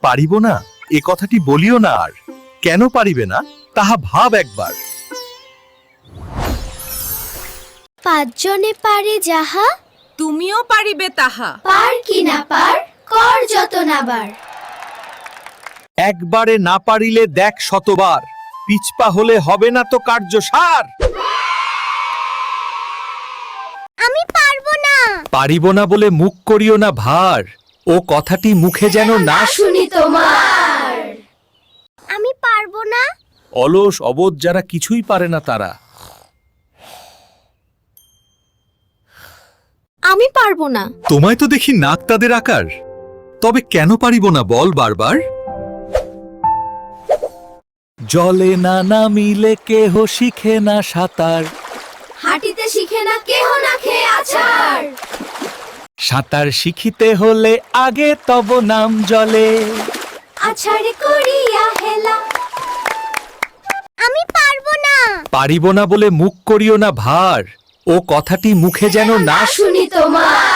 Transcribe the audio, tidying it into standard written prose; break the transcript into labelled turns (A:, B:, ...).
A: পারিব না এ কথাটি বলিও না আর। কেন পারিবে না তাহা ভাব একবার।
B: পাঁচজনে পারে যাহা,
C: তুমিও পারিবে তাহা।
B: পার কি না পার, কর যত নাবার।
A: একবারে না পারিলে দেখ শতবার, পিছপা হলে হবে না তো কার্য সার।
B: আমি পারবো না।
A: পারিব না বলে মুখ করিও না ভার, ও কথাটি মুখে যেন না
B: শুনি তোমার। আমি পারবো না।
A: অলস অবোধ যারা কিছুই পারে না তারা।
B: আমি পারবো না।
A: তোমায় তো দেখি নাক তাদের আকার, তবে কেন পারিব না বল বারবার। জলে না নামিলে কেহ শিখে না সাঁতার,
B: হাঁটিতে শিখে না কেহ না খেয়ে আছাড়।
A: সাঁতার শিখিতে হলে আগে তব নাম জলে।
B: আছাড়ে করিয়া হেলা। আমি পারবো না।
A: পারিব না বলে মুখ করিও না ভার, ও কথাটি মুখে যেন না
B: শুনি তোমার।